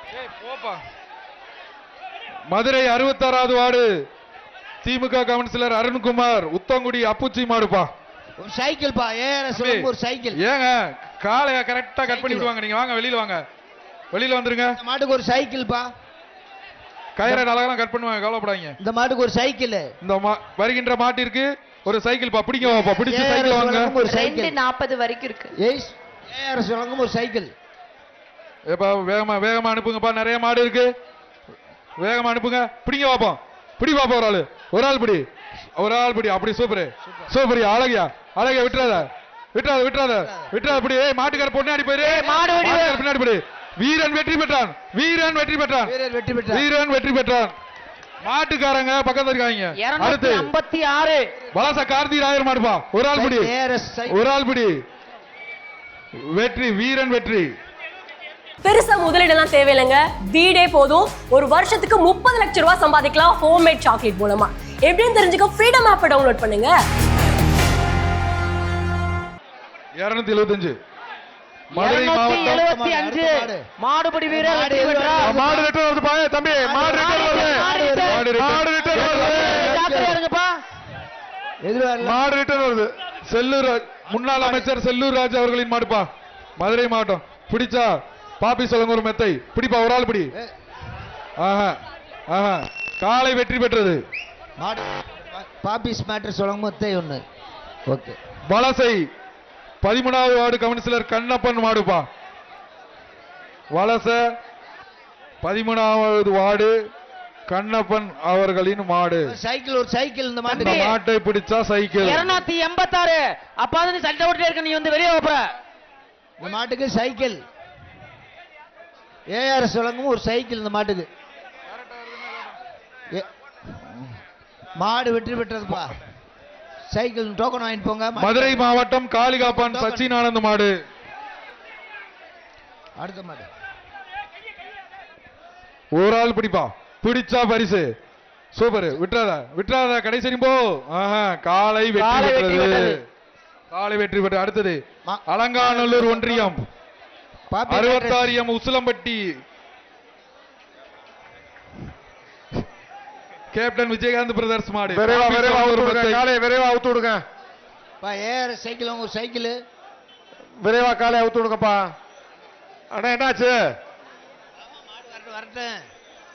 மதுரை 66வது ward DMK councillor Arunkumar Uthangudi அப்புச்சி மாடுப்பா. ஒரு சைக்கிள் பா. ஒரு சைக்கிள். ஏங்க காலைய கரெக்டா கட் பண்ணி விடுவாங்க. நீங்க வாங்க வெளியில வாங்க. வெளியில வந்துருங்க. இந்த மாட்டுக்கு ஒரு சைக்கிள் பா. கயிறை அழகா கட் பண்ணுவாங்க, கவலைப்படாதீங்க. இந்த மாட்டுக்கு ஒரு சைக்கிள். இந்த வருகின்ற மாட்டிற்கு ஒரு சைக்கிள் பா. பிடிங்க வாப்பா. பிடிச்சு சைக்கிள் வாங்க. ஒரு சைக்கிள் 40 வரைக்கும் இருக்கு. ஏஆர் சொல்லுங்க ஒரு சைக்கிள். ஏப்பா வேகமா வேகமா அனுப்புங்கப்பா. நிறைய மாடு இருக்கு. வேகமா அனுப்புங்க. பிடிங்க வாப்பா. பிடி பாப்பா. ஒரு ஆள் பிடி. ஒரு ஆள் பிடி. அப்படி சூப்பர் சூப்பர். அழகியா அழகியா. விட்டுறாத விட்டுறாத விட்டுறாத விட்டுறாத. பிடி. மாட்டுக்கார பொண்ணாடி போயிரு. பின்னாடி பிடி. வீரன் வெற்றி பெற்றான். வீரன் வெற்றி பெற்றான். வீரன் வெற்றி பெற்றான். மாட்டுக்காரங்க பக்கத்துல இருக்காங்க. அடுத்து 56 வலச கார்த்தி ராயர் மாடுப்பா. ஒரு ஆள் பிடி. ஒரு ஆள் பிடி. வெற்றி. வீரன் வெற்றி. பெருசா முதலீடெல்லாம் தேவையில்லைங்க. வீடே போதும். ஒரு வருஷத்துக்கு 30 லட்சம் ரூபாய் சம்பாதிக்கலாம் ஹோம்மேட் சாக்லேட் மூலமா. எப்படின்னு தெரிஞ்சுக்க ஃப்ரீடம் ஆப்பை டவுன்லோட் பண்ணுங்க. 275 மதுரை மாவட்டம் 275 மாடுபிடி வீரர் வெற்றி பெற்றார். மாடு ரிட்டர்ன் வருது பாய தம்பி. மாடு ரிட்டர்ன் வருது. மாடு ரிட்டர்ன் வருது. ஜாக்கிரதையா இருங்கப்பா. மாடு ரிட்டர்ன் வருது. செல்லூர் முன்னாள் அமைச்சர் செல்லூர் ராஜ் அவர்களின் மாடுப்பா. மதுரை மாவட்டம். பிடிச்சா பாப்பி சொல்லுங்க ஒரு மெத்தை. பிடிப்பா. ஒரு ஆள் பிடி. ஆஹா ஆஹா. காலை வெற்றி பெற்றது. பாப்பிஸ் மேட்டர் சொல்லுங்க மெத்தை ஒண்ணு. ஓகே. வலசை 13வது வார்டு கவுன்சிலர் கண்ணப்பன் மாடுப்பா. வலச 13வது வார்டு கண்ணப்பன் அவர்களின் மாடு. சைக்கிள். ஒரு சைக்கிள். இந்த மாட்டை பிடிச்சா சைக்கிள். 286 அப்பா நீ சண்டை ஓட்டிட்டே இருக்க. நீ வந்து வெளியே போற. இந்த மாட்டுக்கு சைக்கிள். ஏஆர் சொல்லுங்க ஒரு சைக்கிள். இந்த மாட்டுக்கு மாடு வெற்றி பெற்றதுப்பா. சைக்கிள் டோக்கன் வாங்கிட்டு போங்க. மதுரை மாவட்டம் காளிகாப்பான் சச்சின் ஆனந்த் மாடு. அடுத்த மாடு. ஒரு ஆள் பிடிப்பா. பிடிச்சா பரிசு. சூப்பர். விட்டுறாத விட்டுறாத. கடைசி போ. காலை வெற்றி பெற்றது. காலை வெற்றி பெற்ற. அடுத்தது அலங்காநல்லூர் ஒன்றியம் 66 உசிலம்பட்டி கேப்டன் விஜயகாந்த் பிரதர்ஸ் மாடு. விரைவா விரைவா அவுத்து விடுங்க. சைக்கிள். ஒரு சைக்கிள். விரைவா காலை அவுத்து விடுங்கப்பா. அண்ணா என்னாச்சு? வரட்டும்.